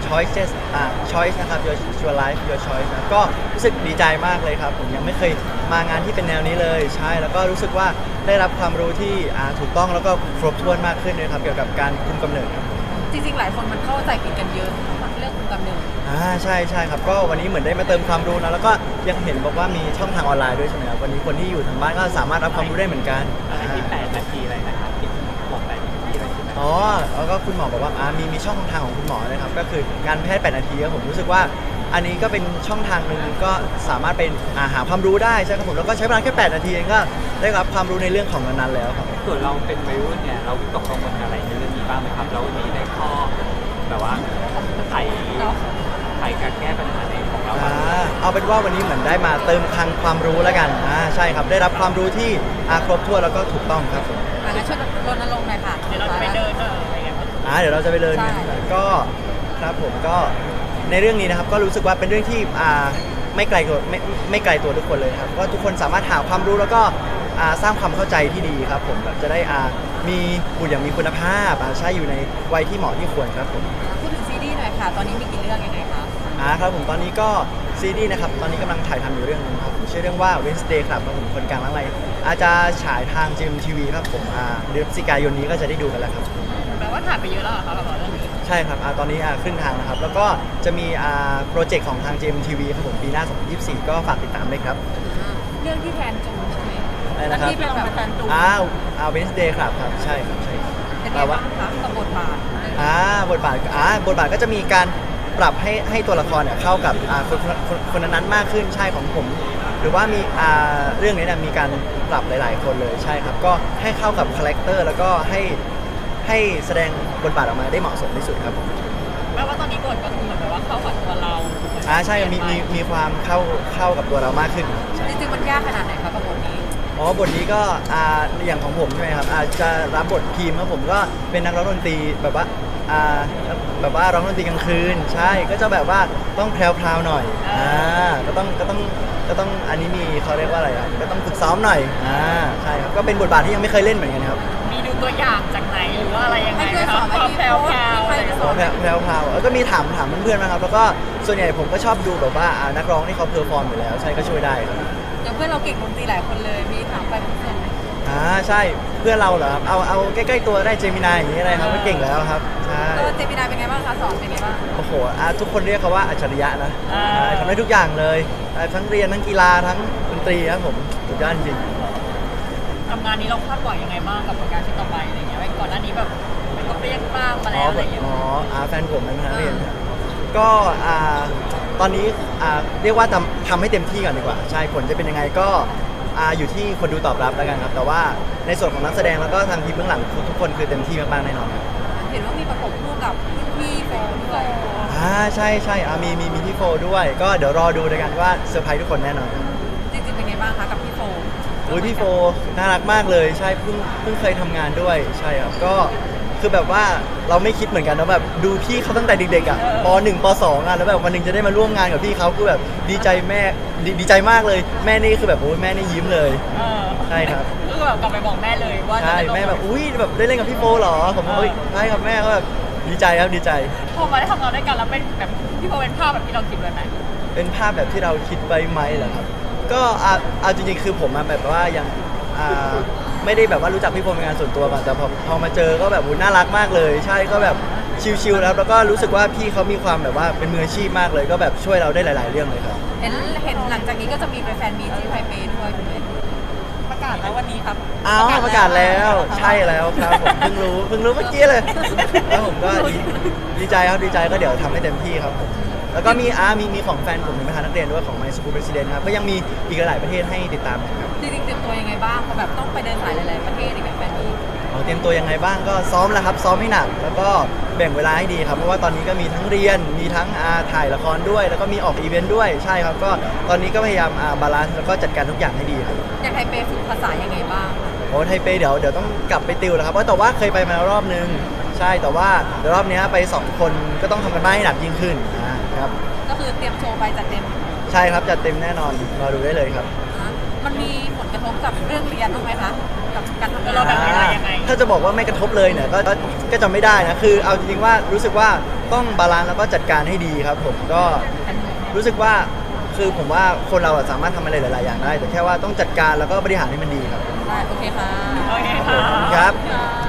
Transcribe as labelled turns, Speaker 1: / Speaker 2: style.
Speaker 1: choices choice นะครับ your life your choice นะก็รู้สึกดีใจมากเลยครับผมยังไม่เคยมางานที่เป็นแนวนี้เลยใช่แล้วก็รู้สึกว่าได้รับความรู้ที่ถูกต้องแล้วก็ครบถ้วนมากขึ้นเลยครับเกี่ยวกับการคุมกำเนิดครับ
Speaker 2: จริงๆหลายคนมันเข้าใจผิดกันเยอะเรื่องคุมกำเนิด
Speaker 1: ใช่ใช่ครับก็วันนี้เหมือนได้มาเติมความรู้นะแล้วก็ยังเห็นบอกว่ามีช่องทางออนไลน์ด้วยใช่ไหมครับวันนี้คนที่อยู่ทางบ้านก็สามารถรับความรู้ได้เหมือนกัน
Speaker 3: อะไรที่8 นาทีอะไรนะครับที่บอก8 นาทีอะไรใช่ไหม
Speaker 1: แล้วก็คุณหมอบอกว่ามีช่องทางของคุณหมอนะครับก็คือการแพทย์8 นาทีครับผมรู้สึกว่าอันนี้ก็เป็นช่องทางหนึ่งก็สามารถเป็นหาความรู้ได้ใช่ครับผมแล้วก็ใช้เวลาแค่8 นาทีเองก็ได้รับความรู้ในเรื่องของนั้นๆแล้วครับ
Speaker 3: ส่วนเราเป็นวัยรุ่นเนี่ยเราวิตกกังวลอะไรในเรื่องนี้บ้างไหมครับแล้ววันนี้ได้ข้อแบบว่าไขการแก้ปัญหาในของเรา
Speaker 1: เอาเป็นว่าวันนี้เหมือนได้มาเติมคลังความรู้แล้วกันใช่ครับได้รับความรู้ที่ครบถ้วนแล้วก็ถูกต้องครับผม
Speaker 2: งั้นช่วยรณรงค์หน่อยค่ะ
Speaker 3: เดี๋ยวเราจะไปเดินอะไรอย่างเงี้ย
Speaker 1: เดี๋ยวเราจะไปเดินก็ครับผมก็ในเรื่องนี้นะครับก็รู้สึกว่าเป็นเรื่องที่ไม่ไกลตัวไม่ไกลตัวทุกคนเลยครับก็ทุกคนสามารถหาความรู้แล้วก็สร้างความเข้าใจที่ดีครับผมแบบจะได้มีบุตรอย่างมีคุณภาพใช่อยู่ในวัยที่เหมาะที่ควรครับผม
Speaker 2: พูดถึงซีรีส์หน่อยค่ะตอนนี้มีกี่เรื่องยังไงคะ
Speaker 1: ครับผมตอนนี้ก็ซีรีส์นะครับตอนนี้กำลังถ่ายทำอยู่เรื่องนึงครับชื่อเรื่องว่า Wednesday ครับผมคนกลางอะไรอาจจะฉายทาง GMTV ครับผมเดือนพฤศจิกายนนี้ก็จะได้ดูกันแล้วครับ
Speaker 3: แปลว่าถ่ายไปเยอะแล้วเหรอครับเรื่องนี้
Speaker 1: ใช่ครับตอนนี้ครึ่งทางนะครับแล้วก็จะมีโปรเจกต์ของทาง GMTV ครับผมปีหน้า2024ก็ฝากติดตามด้วยครับ
Speaker 2: เรื่องที่แทนจูใช่ไหม
Speaker 1: ที่
Speaker 2: เป็นแบบแทนจู
Speaker 1: Wednesday ครับใช่ครับใช่
Speaker 2: แปลว่ากับบทบาท
Speaker 1: บทบาทก็จะมีการปรับให้ตัวละครเนี่ยเข้ากับคนนั้นมากขึ้นใช่ของผมหรือว่ามีเรื่องนี้เนี่ยมีการปรับหลายๆคนเลยใช่ครับก็ให้เข้ากับคาแรคเตอร์แล้วก็ให้แสดงบทบาทออกมาได้เหมาะสมที่สุดครับ
Speaker 3: แปลว่าตอนนี้บทก็คือเหมือนว่าเข้ากับตัวเรา
Speaker 1: ใช่มีความเข้ากับตัวเรามากขึ้น
Speaker 2: จริงๆมันยากขนาดไหนครับกับบทนี้
Speaker 1: บทนี้ก็อย่างของผมใช่ไหมครับจะรับบทพีมครับผมก็เป็นนักร้องดนตรีแบบว่าร้องดนตรีกลางคืนใช่ก็จะแบบว่าต้องแพรวๆหน่อยก็ต้องอันนี้มีเขาเรียกว่าอะไรก็ต้องฝึกซ้อมหน่อยใช่ครับก็เป็นบทบาทที่ยังไม่เคยเล่นเหมือนกันครับ
Speaker 3: มีดูตัวอย่างจากไหนหรือว่าอะไรยังไงครับแพรว
Speaker 1: แล้วก็มีถามเพื่อนๆนะครับแล้วก็ส่วนใหญ่ผมก็ชอบดูแบบว่านักร้องที่เขาเพอร์ฟอร์มอยู่แล้วใช่ก็ช่วยได้ครับ
Speaker 2: อย่างเพื่อนเราเก่งดนตรีหลายคนเลยมีถามไปเพื่อน
Speaker 1: ใช่เพื่อนเราเหรอครับเอาใกล้ๆตัวได้เจมินายอย่างนี้อะไรครับก็เก่งแล้วครับใช่
Speaker 2: เจมินายเป็นไงบ้างคะสอนเป็นไงบ้าง
Speaker 1: โอ้โหทุกคนเรียกเขาว่าอัจฉริยะนะทำได้ทุกอย่างเลยทั้งเรียนทั้งกีฬาทั้งดนตรีครับผมสุดยอดจริง
Speaker 3: ทำงานนี้เราคาดหวังยังไงบ้างกับผลงานชิ้นต่อไปอะไรเงี้ยก่อนหน้านี้แบบเป็นก็เรียกบ้างมาแล้วอะไรอย่างเงี้ย
Speaker 1: แฟนผมเป็นนักเรียนก็ตอนนี้เรียกว่าทำให้เต็มที่ก่อนดีกว่าใช่ผลจะเป็นยังไงก็อยู่ที่คนดูตอบรับแล้วกันครับแต่ว่าในส่วนของนักแสดงแล้วก็ทางทีมเบื้องหลังทุกคนคือเต็มที่มากๆแน่นอนครับ
Speaker 2: เห็นว่ามีประกบคู่กับพี่โฟด้วย
Speaker 1: ใช่มีพี่โฟด้วยก็เดี๋ยวรอดูด้วยกันว่าเซอร์ไพรส์ทุกคนแน่นอน
Speaker 2: จริงๆเป็นไงบ้างคะกับพี่โฟ
Speaker 1: พี่โฟน่ารักมากเลยใช่เพิ่งเคยทำงานด้วยใช่ครับก็คือแบบว่าเราไม่คิดเหมือนกันนะแบบดูพี่เขาตั้งแต่เด็กๆป.1 ป.2แล้วแบบวันหนึ่งจะได้มาร่วมงานกับพี่เขาคือแบบดีใจแม่ดีใจมากเลยแม่นี่คือแบบโอ้ยแม่นี่ยิ้มเลยใช่ครับ
Speaker 3: คือแบบกลับไปบอกแม่เลยว่า
Speaker 1: ใช่แม่แบบอุ้ยแบบได้เล่นกับพี่โฟเหรอผมบอกใช่ครับแม่ก็แบบดีใจครับดีใจ
Speaker 3: พอมาได้ทำงานด้วยกันแล้วเป็นแบบพี่โฟเป็นภาพแบบที่เราคิดไว้ไหม
Speaker 1: เป็นภาพแบบที่เราคิดไว้ไหมเหรอครับก็เอาจริงๆคือผมแบบว่ายังไม่ได้แบบว่ารู้จักพี่โฟเป็นงานส่วนตัวก่อนแต่พอมาเจอก็แบบน่ารักมากเลยใช่ก็แบบชิลๆแล้วก็รู้สึกว่าพี่เขามีความแบบว่าเป็นมืออาชีพมากเลยก็แบบช่วยเราได้หลายๆเรื่องเลยครับ
Speaker 2: เห็นหลังจากนี้ก็จะมีไปแฟนมีที่ไทเปด้วยถูกไหมประกาศแล้ววันนี้ครับ
Speaker 1: ประกาศแล้วใช่แล้วครับผมเพิ่งรู้เมื่อกี้เลยแล้วผมก็ดีใจครับดีใจก็เดี๋ยวทำให้เต็มที่ครับผมแล้วก็มีของแฟนผมเป็นประธานนักเรียนด้วยของ My School President ครับก็ยังมีอีกหลายประเทศให้ติดตามครับ
Speaker 2: จริงๆเตรียมตัวยังไงบ้างเพราะแบบต้องไปเดินสายหลายๆประเทศในแบบนี้
Speaker 1: เตรียมตัวยังไงบ้างก็ซ้อมแล้วครับซ้อมให้หนักแล้วก็แบ่งเวลาให้ดีครับเพราะว่าตอนนี้ก็มีทั้งเรียนมีทั้งถ่ายละครด้วยแล้วก็มีออกอีเวนต์ด้วยใช่ครับก็ตอนนี้ก็พยายามบาลานซ์แล้วก็จัดการทุกอย่างให้ดีครับ
Speaker 2: อย่างไทเปฝึกภาษายังไงบ้าง
Speaker 1: ไทเปเดี๋ยวต้องกลับไปติวแล้วครับเพราะแต่ว่าเคยไปมารอบนึงใช่แต่ว่าเดี๋ยวรอบนี้ไป2 คนก็ต้องทำกันบ้านให้หนักยิ่งขึ้นนะครับ
Speaker 2: ก็คือเตรียมโชว์ไปจัดเต็ม
Speaker 1: ใช่ครับจัดเต็มแน่นอนรอดูได้เลยครับ
Speaker 2: มันมีผลกระทบกับเรื่องเรียนบ้างไหมคะกับการทำงานเราแบบเวลายังไง
Speaker 1: ถ้าจะบอกว่าไม่กระทบเลยเนี่ยก็จะไม่ได้นะคือเอาจริงๆว่ารู้สึกว่าต้องบาลานซ์แล้วก็จัดการให้ดีครับผมก็รู้สึกว่าคือผมว่าคนเราอะสามารถทำอะไรหลายๆอย่างได้ แต่แค่ว่าต้องจัดการแล้วก็บริหารให้มันดีครับ
Speaker 2: ได้โอเคค่ะ
Speaker 4: โอเค
Speaker 1: ขอบ
Speaker 4: ค่ะ
Speaker 1: คุณครับ
Speaker 2: ค่ะ